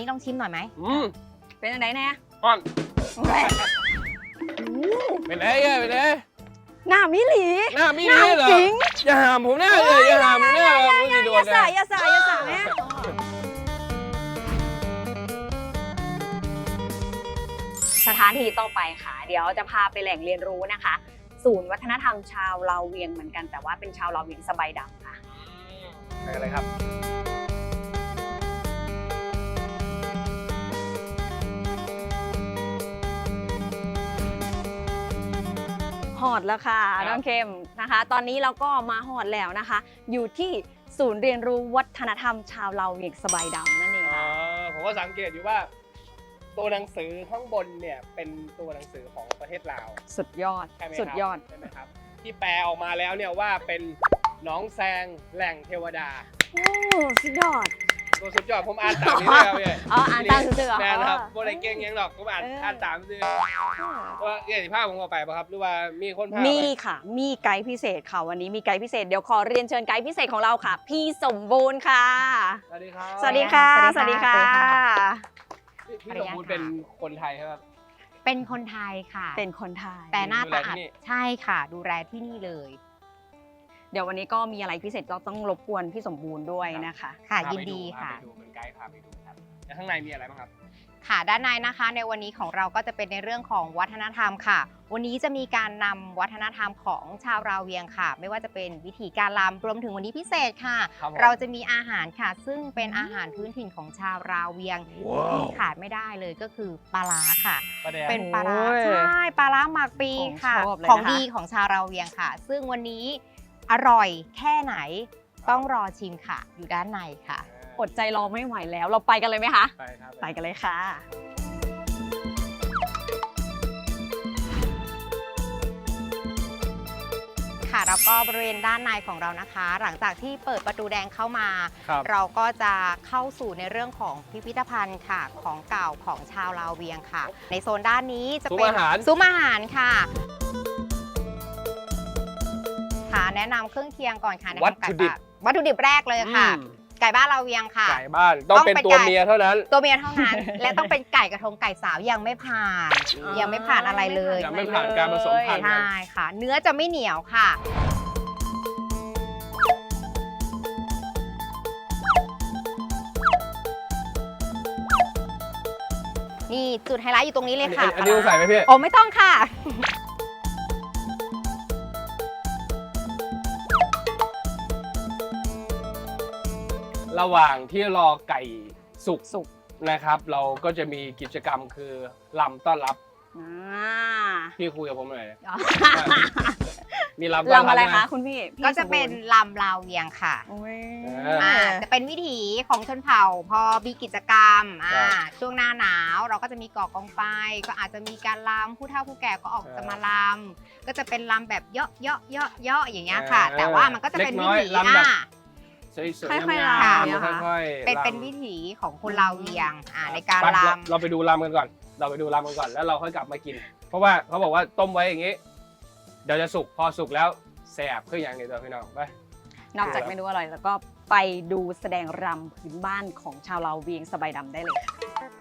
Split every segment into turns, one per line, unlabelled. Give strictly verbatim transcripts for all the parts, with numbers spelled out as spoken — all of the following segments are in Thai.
นี้ลองชิมหน่อยไหม
อืม
เป็นอะไรแน่
อ่อนเป็นไงอ่ะเป็นไง
หน้ามิหลี
หน้ามีนี่เหรอ
จริง
อย่าหามผมหน้าเลยอย่าหามผมหน้าเลยผมจะโด
อน ย่า
นะ
สายอย่าสายอย่าสายแม่สถานที่ต่อไปค่ะ เดี๋ยวจะพาไปแหล่งเรียนรู้นะคะ ศูนย์วัฒนธรรมชาวลาวเวียงเหมือนกันแต่ว่าเป็นชาวลาวเวียงสบายดำค่ะ
ไปกันเลยครับ
หอดแล้วค่ะ
ครับ
น้องเข้มนะคะ ตอนนี้เราก็มาหอดแล้วนะคะ อยู่ที่ศูนย์เรียนรู้วัฒนธรรมชาวลาวเวียงสบายดำนั่นเอง
อ๋อ
ค่ะ
ผมก็สังเกตอยู่ว่า ตัวหนังสือข้างบนเนี่ยเป็นตัวหนังสือของประเทศลาว
สุดยอด
ใช่ไหมครับ
สุดยอด
ใช่ไหมครับ ที่แปลออกมาแล้วเนี่ยว่าเป็นหนองแซงแหล่งเทวดา
โอ้สุดยอด
ตัวสุดยอดผมอ่านตามนี้เลยครับพี่
อ๋ออ่านตามซื่อๆเหรอ
แม่นะครับโบได้เก่งยังหรอกผมอ่าน
เอออ่
อ่านตามซื่อว่าเอี่ยสิภาพผมเอาไปป่ะครับหรือว่ามีคนพา
มี
ไป
ค่ะ มีไกด์พิเศษค่ะ วันนี้มีไกด์พิเศษ เดี๋ยวขอเรียนเชิญไกด์พิเศษของเราค่ะ พี่สมบูรณ์ค่ะ
สวัสดีครับ
สวัสดีค่ะ ส
สวั
วัส
สดี
ดี
ค่ะ
ค่ะ
พี่พี่สมบูรณ์เป็นคนไทยใช่ไหมครับ
เป็นคนไทยค่ะ
เป็นคนไทย
แต่หน้าตา
ดูแลที่
อาจ
นี่
ใช่ค่ะ ดูแลที่นี่เลย
เดี๋ยววันนี้ก็มีอะไรพิเศษเราต้องรบกวนพี่สมบูรณ์ด้วยนะคะ
ค่ะ
พา
ยิน
ไป
ดีค่ะ
พาไปดูเป็นไกด์พาไปดูครับแล้วข้างในมีอะไรบ้างครับ
ค่ะด้านในนะคะในวันนี้ของเราก็จะเป็นในเรื่องของวัฒนธรรมค่ะ วันนี้จะมีการนำวัฒนธรรมของชาวราวเวียงค่ะ ไม่ว่าจะเป็นวิธีการรำรวมถึงวันนี้พิเศษค่ะ
ครับผม
เราจะมีอาหารค่ะ ซึ่งเป็นอาหารพื้นถิ่นของชาวราวเวียงที่ขาดไม่ได้เลยก็คือปลาร้าค่ะ
ประเดี๋ยว
เป็นปลาร้า
โอ้ย
ใช่ปลาร้าหมักปีค่ะ
ของชอบเลย
ของ
นะคะ
ดีของชาวราวเวียงค่ะ ซึ่งวันนี้อร่อยแค่ไหนต้องรอชิมค่ะ อยู่ด้านในค่ะ
อดใจรอไม่ไหวแล้ว เราไปกันเลยไหมคะ
ไปครับ
ไปกันเลยค่ะ
ค่ะแล้วก็บริเวณด้านในของเรานะคะ หลังจากที่เปิดประตูแดงเข้ามา
ครับ
เราก็จะเข้าสู่ในเรื่องของพิพิธภัณฑ์ค่ะ ของเก่าของชาวลาวเวียงค่ะ ในโซนด้านนี้จะเป็น
ซุ้มอาหาร
ซุ้มอาหารค่ะค่ะแนะนำเครื่องเคียงก่อนค่ะแนะนำ
วัตถุดิบ
ไก่บ้านวัตถุดิบแรกเลยค่ะ
อืม
ไก่บ้านลาวเวียงค่ะ
ไก่บ้านต้อง
ต้อง
เป็น
เป็น
ตัว
ไก่
เมียเท่านั้น
ตัวเมียเท่านั้น และต้องเป็นไก่กระทงไก่สาวยังไม่ผ่าน
อ๋อ
ยังไม่ผ่านอะไรเลย
ยังไม่ผ่านการผสมพันธุ์
ใช่ค่ะ เนื้อจะไม่เหนียวค่ะ นี่จุดไฮไลท์อยู่ตรงนี้เลยค่ะ
อันนี้ต้องใส่ไหมพี่
โอ้ไม่ต้องค่ะ
ระหว่างที่รอไก่สุก
สุก
นะครับ เราก็จะมีกิจกรรมคือลำต้อนรับ
อ่า
พี่คุยกับผมหน่อยนะ
อ๋อ
มีลำต้อนรับ
ลำอะไร
หม
คะคุณพี่พี่
ก็จะเป็น
สมบูรณ์
ลำลาวเวียงค่ะ
โอ้ย
เออ
อ่าจะเป็นวิถีของชนเผ่าพอมีกิจกรรมอ่า
ครับ
ช่วงหน้าหนาวเราก็จะมีก่อกองไฟก็อาจจะมีการลำผู้เฒ่าผู้แก่ก็ออก
เออ
จะมาลำก็จะเป็นลำแบบเยาะเยาะเยาะเยาะอย่างเงี้ยค่ะ
เออ
แต่ว่ามันก็จะเป็น
เล็
วิ
กน้อย
ถี
ลำแบบ
อ่า
สวยๆ
ค่อยๆ
งาม
ลำ
ๆ
นะคะ
ค่อยๆ
เป็น
ลำ
เป็นวิถีของคนลาวเวียงอ่าในการ
ไป
ล
เราเราไปดูลำกันก่อน เราไปดูลำกันก่อนแล้วเราค่อยกลับมากิน เพราะว่าเขาบอกว่าต้มไว้อย่างนี้ เดี๋ยวจะสุกพอสุกแล้วแสบขึ้นอย่างนี้ตัวพี่น้องไป
นอกจากเมนูอร่อยแล้วก็ไปดูแสดงรำพื้นบ้านของชาวลาวเวียงสบายดำได้เลยค่ะ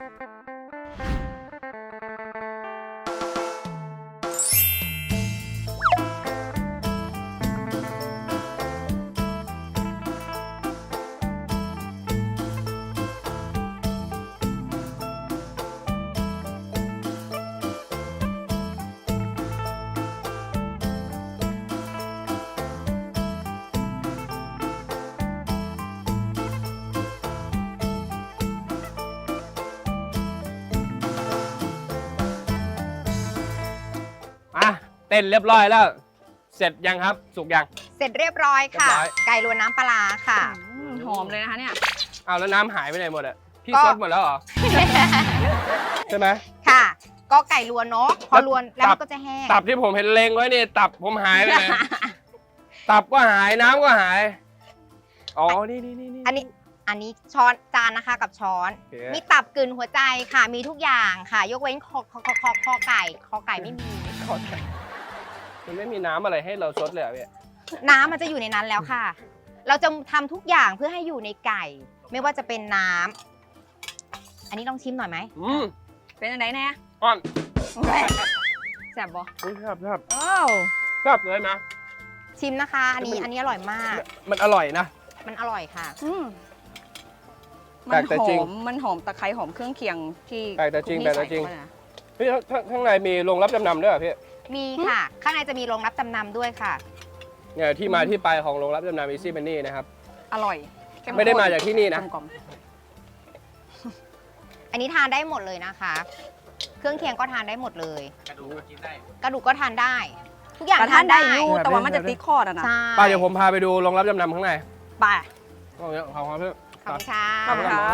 อ่ะเต้นเรียบร้อยแล้ว เสร็จยังครับ สุกยัง
ำเสร็จเรียบร้อยค่ะ
เรียบร้อย
ไก่รวนน้ำปลาร้าค่ะ
อืมหอมเลยนะคะเนี่ย
อ้าวแล้วน้ำหายไปไหนหมดอะพี่
ก็
ซดหมดแล้วเหรอ ใช่ไหม
ค่ะ ก็ไก่รวนเนาะพอรวนแล้ว
ตั
มั
บ
นก็จะแห้ง
ตับที่ผมเห็นเลงไว้นี่ตับผมหายไป เลย ตับก็หายน้ำก็หาย อ๋อ นี่นี่นี่
อันนี้อันนี้ช้อนจานนะคะกับช้อน
โอเค
มีตับกลืนหัวใจค่ะ มีทุกอย่างค่ะ ยกเว้นคอคอคอคอคอไก่คอไก่ไม่มี
มันไม่มีน้ำอะไรให้เราซดเลยเหรอพี่
น้ำมันจะอยู่ในนั้นแล้วค่ะ เราจะทำทุกอย่างเพื่อให้อยู่ในไก่ ไม่ว่าจะเป็นน้ำอันนี้ลองชิมหน่อยไหม
อืม
เป็นอะไรแน่
อ่อน
แซ่บบ่
อุ๊ยครับครับ
โอ้
ครับเลยนะ
ชิมนะคะ อันนี้อันนี้อร่อยมาก
มันอร่อยนะ
มันอร่อยค่ะ
อืม
แปล
มั
ก
น
แต่
ห
จริง
อมมันหอมตะไคร้หอมเครื่องเคียงที่
แปลกแต่จริง
คุณ
แปล
พี่
กแต่จริง
ใส่เข้าไปนะ
พี่ข้างข้างในมีโรงรับจำนำด้วยเหรอพี่
มีค่ะ ข้างในจะมีโรงรับจำนำด้วยค่ะ
เนี่ยที่มาที่ไปของโรงรับจำนำ Easy Money นะครับ
อร่อยเข้ข้น
ไม่ได้มาจากที่นี่นะ
กลม
อันนี้ทานได้หมดเลยนะคะ เครื่องเคียงก็ทานได้หมดเลย
กระดูกก็กินได้
กระดูกก็ทานได้ ทุกอย่าง
ๆกระ
ทา
ทาน นได้
ได้
อยู่แต่ว่ามันจะติดคอนะนะ
ใช่
ป้าเดี๋ยวผมพาไปดูโรงรับจำนำข้างใน
ไป
โอ้ยขอบคุณพี่
ขอบคุณค่ะ
ขอบคุณค่ะ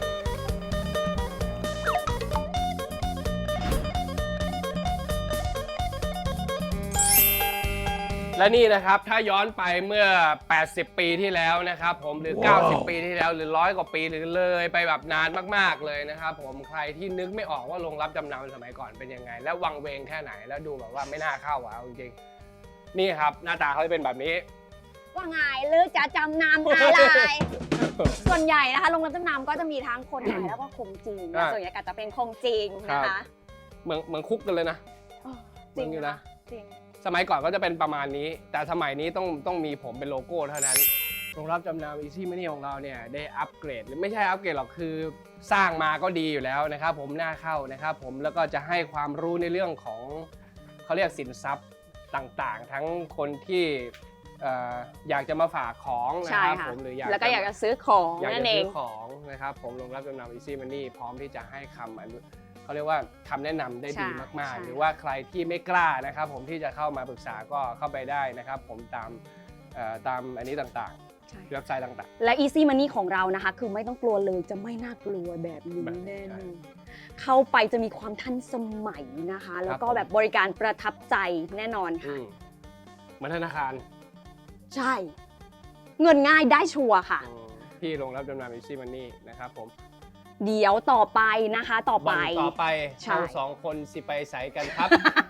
และนี่นะครับถ้าย้อนไปเมื่อ แปดสิบ ปีที่แล้วนะครับผมหรือ เก้าสิบ ปีที่แล้วหรือร้อยกว่าปีหรือเลยไปแบบนานมากๆเลยนะครับผมใครที่นึกไม่ออกว่าโรงรับจำนำสมัยก่อนเป็นยังไง และวังเวงแค่ไหนแล้วดูแบบว่าไม่น่าเข้าอ่ะเอาจริงๆนี่ครับหน้าตาเขาจะเป็นแบบนี้
ว่าไงหรือจะจำนำอะไร ส่วนใหญ่นะคะโรงรับจำนำก็จะมีทั้งคนไทยแล้วก็คงจีนนะ
อ่า
ส่วนใหญ่ก็จะเป็นคงจีนนะคะ
เหมือนเหมือนคุกกันเลยนะ
อ๋อจริง
มึงอยู่นะ
จริง
สมัยก่อนก็จะเป็นประมาณนี้ แต่สมัยนี้ต้องต้องมีผมเป็นโลโก้เท่านั้นโรงรับจำนำ Easy Money ของเราเนี่ยได้อัปเกรดหรือไม่ใช่อัปเกรดหรอกคือสร้างมาก็ดีอยู่แล้วนะครับผมน่าเข้านะครับผมแล้วก็จะให้ความรู้ในเรื่องของเขาเรียกสินทรัพย์ต่างๆ ทั้งคนที่เอ่ออยากจะมาฝากของนะ
ใช่
ครับ
ค่ะ
ผมหรืออยาก
แล้วก็อยากจะซื้อของ
อยาก
นั่
จะ
นเอ
ซื้
ง
อของนะครับผมโรงรับจำนำ Easy Money พร้อมที่จะให้คำอนุเขาเรียกว่าคำแนะนำได้ดี
ใช่
มาก
ใช่
ๆ หรือว่าใครที่ไม่กล้านะครับผมที่จะเข้ามาปรึกษาก็เข้าไปได้นะครับผมตามเอ่อตามอันนี้ต่าง
ใช่
ๆเว็บไซต์ต่าง
และ Easy Money ของเรานะคะ คือไม่ต้องกลัวเลยจะไม่น่ากลัวแบบนี้
แบบนี้
แน่
ใช่
นอนเข้าไปจะมีความทันสมัยนะคะ แล้วก็
ผม
แบบบริการประทับใจแน่นอน
ๆอื
ค่ะ
มเหมือนธนาคาร
ใช่ เงินง่ายได้ชัวร์ค่ะ
อืมที่โรงรับจำนำ Easy Money นะครับผม
เดี๋ยวต่อไปนะคะต่อไป
วันต่อไป
ใช่
เราสองคนสิไปใสกันครับ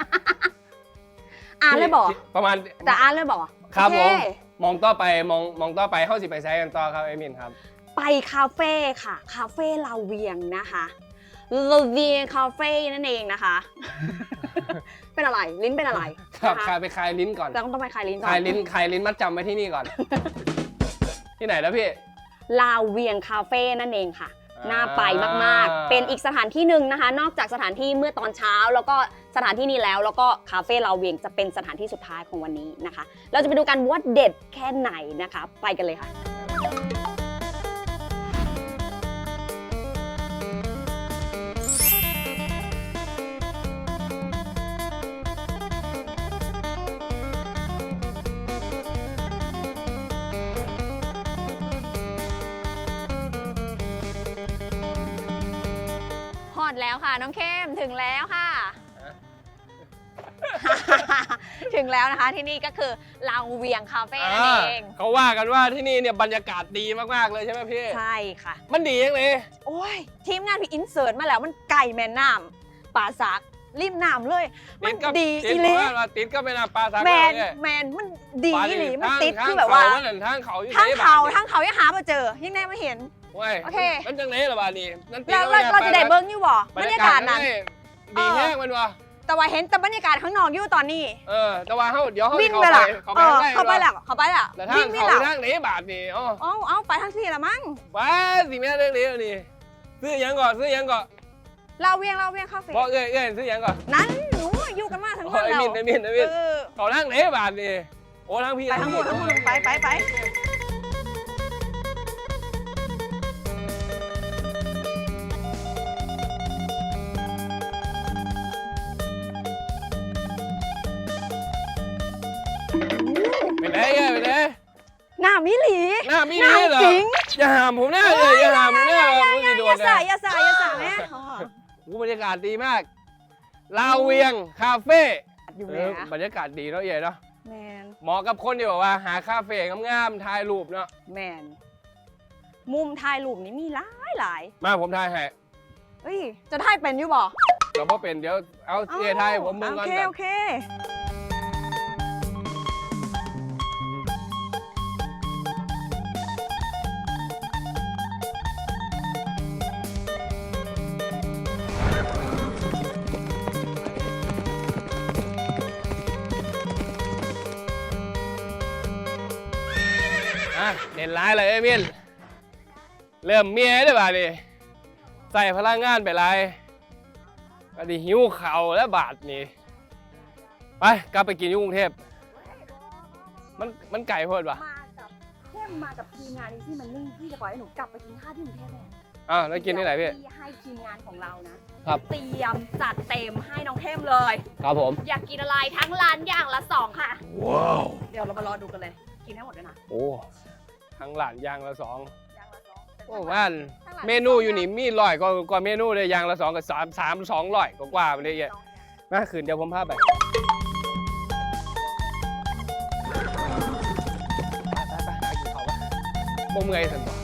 อ่านเลยบอก
ประมาณ
แต่อ่านเลยบอก
ครับ
โอ
ผม
เ
มองต่อไปมองมองต่อไปเข้าสิไปใสกันต่อครับเอมินครับ
ไปคาเฟ่ค่ะ คาเฟ่ลาเวียงนะคะลาเวียงคาเฟ่นั่นเองนะคะ เป็นอะไรลิ้นเป็นอะไร
ครับ
นะ
คลา
คะ
ยไปคลายลิ้นก่อน
ต้องต้องไปคลายลิ้นก่อน
คลายลิ้นคลายลิ้นมัดจำไว้ที่นี่ก่อน ที่ไหนแล้วพี่
ลาเวียงคาเฟ่นั่นเองค่ะ
อ่า
น่าไปมากๆ เป็นอีกสถานที่หนึ่งนะคะ นอกจากสถานที่เมื่อตอนเช้า แล้วก็สถานที่นี้แล้ว แล้วก็คาเฟ่ลาเวียงจะเป็นสถานที่สุดท้ายของวันนี้นะคะ เราจะไปดูกันว่าเด็ดแค่ไหนนะคะ ไปกันเลยค่ะ ฮอดแล้วค่ะ น้องเข้มถึงแล้วค่ะ ถึงแล้วนะคะที่นี่ก็คือลาเวียงคาเฟ่นั่นเอง
เขาว่ากันว่าที่นี่เนี่ยบรรยากาศดีมากๆเลยใช่ไหมพี่
ใช่ค่ะ
มันดียังเลย
โอ้ย ทีมงานพี่อินเสิร์ตมาแล้วมันไก่แม่น้ำป่าสักริมน้ำเลย มัน
ก็
ดี
ติ
อี
ด
หลี
ว่าติดก็เป็นปลาสัก
แมน
เลย
แมนมันดี
ปลา
อีหลีมัน
ทาง
ติด
ทาง
คือแบบว่า
เขนั่นทางเขาอยู่
ทั้ง
ไหน
เขา
บดนี่
ทั้งเขายังหามาเจอ ยังแน่ไม่เห็น
เว้ย
โอเค
มันจังไหนล่ะบาดนี้นั่นติด
แล้ว
ก็
เรา
ไม่
เราจะได้เบิ้งอยู่บ่
บบ ร
ร
รยากา
รยาากศ
ศ
นั้น
ดี
เออ
แห้งมันวะ
แต่ว่าเห็นแต่บรรยากาศข้างนอกอยู่ตอนนี้
เออแต่ว่าเขาเดี๋ยวเขา
วิ่ง
เข้า
ไป
ไป
ละ
เขา
เอ
ไป
อ
ได้
เข้าไปแล้วเข้าไปแล้ว
แต่ทาง
วิ่งไม่
เขา
แล้ว
ทางไหนบาทนี่อ๋อ
เอาเอาไปทั้งที่ละมั้ง
ว้าสิแม่เรื่องนี้นี่ซื้อหยังก่อนซื้อหยังก่อน
เราเวียงเราเวียงคาเฟ่
บอกเอ้ยเอ้ยซื้อหยังก่อน
นั้นหนูอยู่กันมาทั้ง
โอ้
วัน
ย
แล้ว
มินไอ้มินไอ้มิน
เออ
เขาทางไหนบาทนี่โอ้ทางพี่
ไปทั้งหมดทั้งหมดไปไปไป
ไปไหนเอ้ยไปไหน
หน้ามิหลี
หน้ามีนี่เหรอ
จริง
อย่าหามผมหน้าเลยอย่าหามผมหน้าผมสิโด
อย่าน
นะ
สายอย่าสายอย่าสายแม่
โอ้บรรยากาศดีมากลาวเวียงคาเฟ่
อยู่
เอ
แล้
อ
ว
บรรยากาศดีเนาะเอ๋เนาะ
แมน
เหมาะกับคนที่แบบว่าหาคาเฟ่งามๆถ่ายรูปเนาะ
แมนมุมถ่ายรูปนี้มีหลายหลาย
มาผมถ่ายให้
เอ้ยจะถ่ายเป็นอยู่บ่
ก็บ่เป็นเดี๋ยวเอาเอ๋ถ่ายให้ผมมึงก่อน
โอเค
กัน
โอเค
อ่ะเด่นร้ายเลยเอ้ยมินเริ่มเมียได้ป่ะดิใส่พลังงานไปไรก็ดิหิวเข่าแล้วบาดนี่ไปกลับไปกินอยู่กรุงเทพมันมันไก่โพดป่ะ
มากับเข้มมากับทีมงานอีซี่มันนี่พี่จะปล่อยให้หนูกลับไปกินข้าวที่กรุงเทพแน่
อ้าวแล้วกินที่ไหนพี่
ที่ให้ทีมงานของเรานะครับ เตรียมจัดเต็มให้น้องเข้มเลย
ครับผม
อยากกินอะไรทั้งร้านอย่างละสองค่ะ
ว้าว
เดี๋ยวเรามารอดูกันเลย กินให้หมดด้วยนะ
โอ้ทั้งหลานยางละสอง
อย่างละสอง
โอ้ว่านเมนูอยู่นี่มีร้อยกว่ากว่าเมนูเลยยางละสองกับสามสามสองร้อยกว่ากว่าไปเลยอ่ะมาคืนเดี๋ยวผมพาไปไปไปหากินเขาปะบ่เมื่อยสันต่อ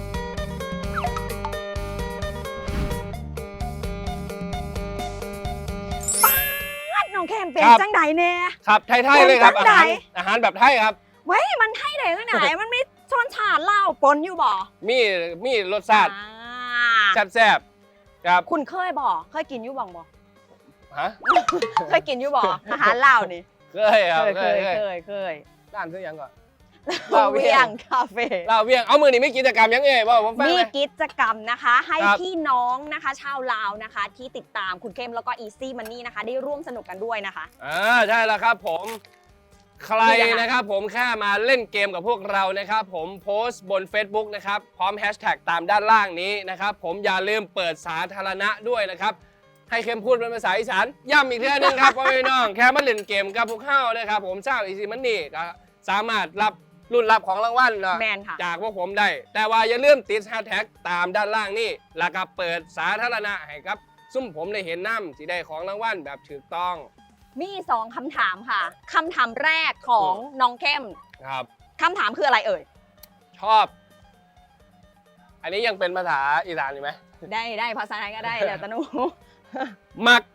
น้องเข้มเป็น
ครับ
จังไดเนี่ย
ครับไทยๆเลยครับ
คน
อา
จัง
หาร
ใด
อาหารแบบไทยครับ
เว้ยมันให้ได้จังไหน มันมีช้อนชาเหล้าปนอยู่บ่
มีมีรสชาติ
อ่า
แซ่บๆครับ
คุณเคยบ่เคยกินอยู่บ่งบ่
ฮะ
เคยกินอยู่บ่อาหารเหล้านี่
เคยครับ
เคย
เค
เค
ย
ย
เค
เค
ย
ยเคย
ร้านซื้อยังก่อน
เหล้าเวียงคาเฟ่
ลาวเวียงเอามือนี่ไม่กิจกรรมยังไงบ่ผมฟัง
มี
เลย
กิจกรรมนะคะ ให้
ครับ
พี่น้องนะคะชาวลาวนะคะ ที่ติดตามคุณเข้มแล้วก็ Easy Money นะคะ ได้ร่วมสนุกกันด้วยนะคะ
อ่าใช่แล้วครับผมใคร
นี่นะคะ
นะครับผมแค่มาเล่นเกมกับพวกเรานะครับผมโพสต์บน Facebook นะครับพร้อมแฮชแท็กตามด้านล่างนี้นะครับผมอย่าลืมเปิดสาธารณะด้วยนะครับให้เข้มพูดเป็นภาษาอีสานย้ำอีกทีนึงครับพ่อพี่น้องแค่มาเล่นเกมกับพวกเข้านะครับผมเจ้าอีซีมันนี่ก็สามารถรับรุ่นรับของรางวัลเนาะ
แมนค่ะ
จากพวกผมได้ แต่ว่าอย่าลืมติดแฮชแท็กตามด้านล่างนี่แล้วก็เปิดสาธารณะให้ครับซุ่มผมได้เห็นน้ำสีได้ของรางวัลแบบถูกต้อง
มีสองคำถามค่ะคำถามแรกของน้องเข้ม
ครับ
คำถามคืออะไรเอ่ย
ชอบ อันนี้ยังเป็นภาษาอีสานอยู่ไหม
ได้ได้ภาษาไทยก็ได้แล้วแต่หนู
มัก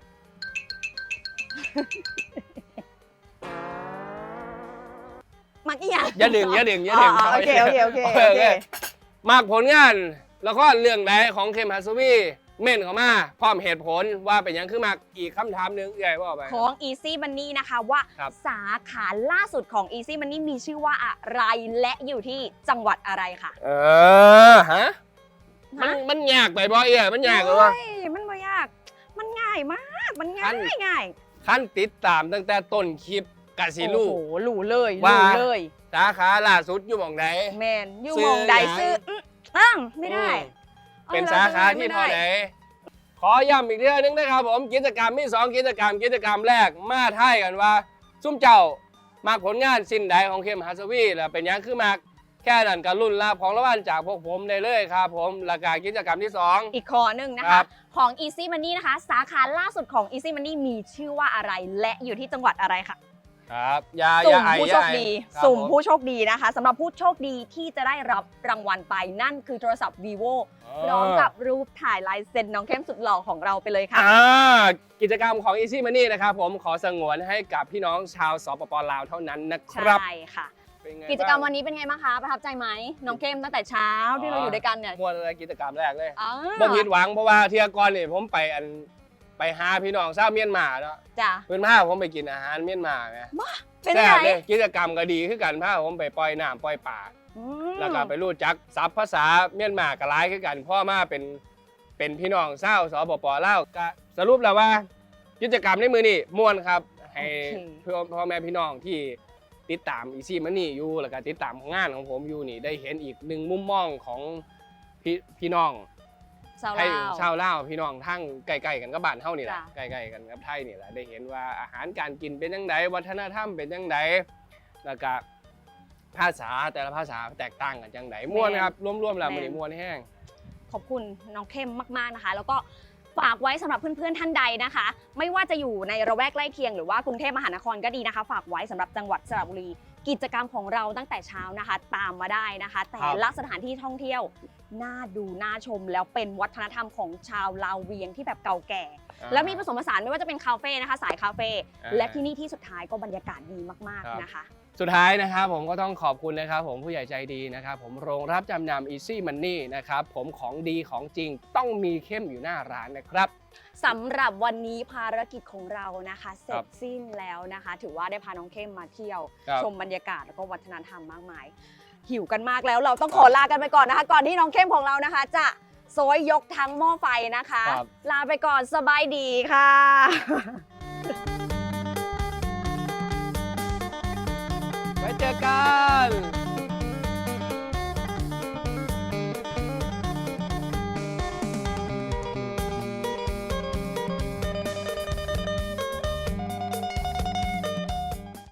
มักอีหยัง
อย่าดึงอย่าดึงอย่าดึง
อ๋อโอเคโอเคโอเคโอเค
มักผลงานแล้วก็เรื่องใดของเคมฮัสวีเม่นเข้ามาพร้อมเหตุผลว่าเป็นหยังคือมักอีกคำถามหนึงใหญ่ว่าไป
ของ Easy Money นะคะว่า
ครับ
สาขาล่าสุดของ Easy Money มีชื่อว่าอะไรและอยู่ที่จังหวัดอะไรค่ะ
เออฮะมันมันยากไปบ่เอ้ยมันยากเลยวะ
เฮ้ยมันไม่ยาก มันง่ายมาก มันง่า
อั
ย
น
ง่าย
ขั้นติดตามตั้งแต่ต้นคลิปกะสิลูก
โอ้โหรู้เลย
ว่า
รู้เลย
สาขาล่าสุดอยู่หม่องใด
แมนอยู่
ซื้อ
หมองใด
ยัง
ซื้ออื้ออ้างไม่ได้
อืมเป็นสาขาที่เท่าไหนขอย้ำอีกเรื่องนึงนะครับผมกิจกรรมมีสองกิจกรรมกิจกรรมแรกมาทายกันว่า ซุ่มเจ้ามากผลงานสิ้นใดของเคมฮัสวีแล้วเป็นหยังคือมากแค่นั้นก็รุ่นรับของรางวัลจากพวกผมได้เลยครับผมแล้วก็กิจกรรมที่สอง
อีกข้อหนึ่งนะ
ครั
คะ
บ
ของ Easy Money นะคะ สาขาล่าสุดของ Easy Money มีชื่อว่าอะไรและอยู่ที่จังหวัดอะไรค่ะ
ครับอย่าอ
สุ่
ย่าม ไอ
ผู้
อ
โช
ย่า
ค
ไอ
ดี
ครับ
สุ่ม
ผ
ผู้โชคดีนะคะสำหรับผู้โชคดีที่จะได้รับรางวัลไปนั่นคือโทรศัพท์ vivo พร้อมกับรูปถ่ายลายเซ็นน้องเข้มสุดหล่อของเราไปเลยค่ะ
อ่ากิจกรรมของ Easy Money นะครับผมขอสงวนให้กับพี่น้องชาวสปปลาวเท่านั้นนะครับ
ใช่ค่ะ
เป็นไง
กิจกรรม
บ้าง
วันนี้เป็นไงบ้างคะประทับใจไหมน้องเข้มตั้งแต่เช้าที่เราอยู่ด้วยกันเนี่ย
มวนอะไรกิจกรรมแรกเลย
อ๋อ
บ่ผิดหวังเพราะว่าเที่ยก่อนนี่ผมไปอันไปหาพี่น้องชาวเมียนมาเนาะ
จ้ะ
เพิ่นพาผมไปกินอาหารเมียนมาไง
เป็น
แซ่
ไง
บเลยกิจกรรมก็ดีคือกันพาผมไปปล่อยน้ำปล่อยป่า
อืม
แล้วก็ไปรู้จักศัพท์ภาษาเมียนมาก็หลายคือกันพ่อมาเป็นเป็นพี่น้องชาวสปปลาวก็สรุปแล้วว่า กิจกรรมในมือนี่ม่วนครับให้เพื่อพ่อแม่พี่น้องที่ติดตามอีซี่มันนี่อยู่แล้วก็ติดตามงานของผมอยู่นี่ได้เห็นอีกหนึ่งมุมมองของพี่พี่น้อง
ชาว
ไทย
ลาว
ชาวลาวพี่น้องทั้งใกล้ๆกันกับบ้านเฮานี่แหละ
จ้ะ
ใกล้ๆกันกับไทยนี่แหละได้เห็นว่าอาหารการกินเป็นยังไงวัฒนธรรมเป็นยังไงแล้วก็ภาษาแต่ละภาษาแตกต่างกันจังไดม่วนครับรวมๆแล้วมันนี่ม่วนแห้ง
ขอบคุณน้องเข้มมากๆนะคะ แล้วก็ฝากไว้สำหรับเพื่อนๆท่านใดนะคะ ไม่ว่าจะอยู่ในระแวกใกล้เคียงหรือว่ากรุงเทพมหานครก็ดีนะคะ ฝากไว้สำหรับจังหวัดสระบุรี กิจกรรมของเราตั้งแต่เช้านะคะ ตามมาได้นะคะ แต่ละสถานที่ท่องเที่ยวน่าดูน่าชม แล้วเป็นวัฒนธรรมของชาวลาวเวียงที่แบบเก่าแก่ แล้วมีผสมผสานไม่ว่าจะเป็นคาเฟ่นะคะ สายคาเฟ่
อ่า
และที่นี่ที่สุดท้ายก็บรรยากาศดีมาก
ครับ
ๆนะคะ
สุดท้ายนะครับผมก็ต้องขอบคุณนะครับผมผู้ใหญ่ใจดีนะครับผมโรงรับจำนำ Easy Money นะครับผมของดีของจริงต้องมีเข้มอยู่หน้าร้านนะครับ
สำหรับวันนี้ภารกิจของเรานะคะเสร็
ครั
จ
บ
สิ้นแล้วนะคะ ถือว่าได้พาน้องเข้มมาเที่ยว
ครับ
ชมบรรยากาศแล้วก็วัฒนธรรมมากมายหิวกันมากแล้วเราต้องขอลากันไปก่อนนะคะ ก่อนที่น้องเข้มของเรานะคะ จะโซยยกทั้งหม้อไฟนะคะ
ครับ
ลาไปก่อนสบายดีค่ะ
ไว้เจอกัน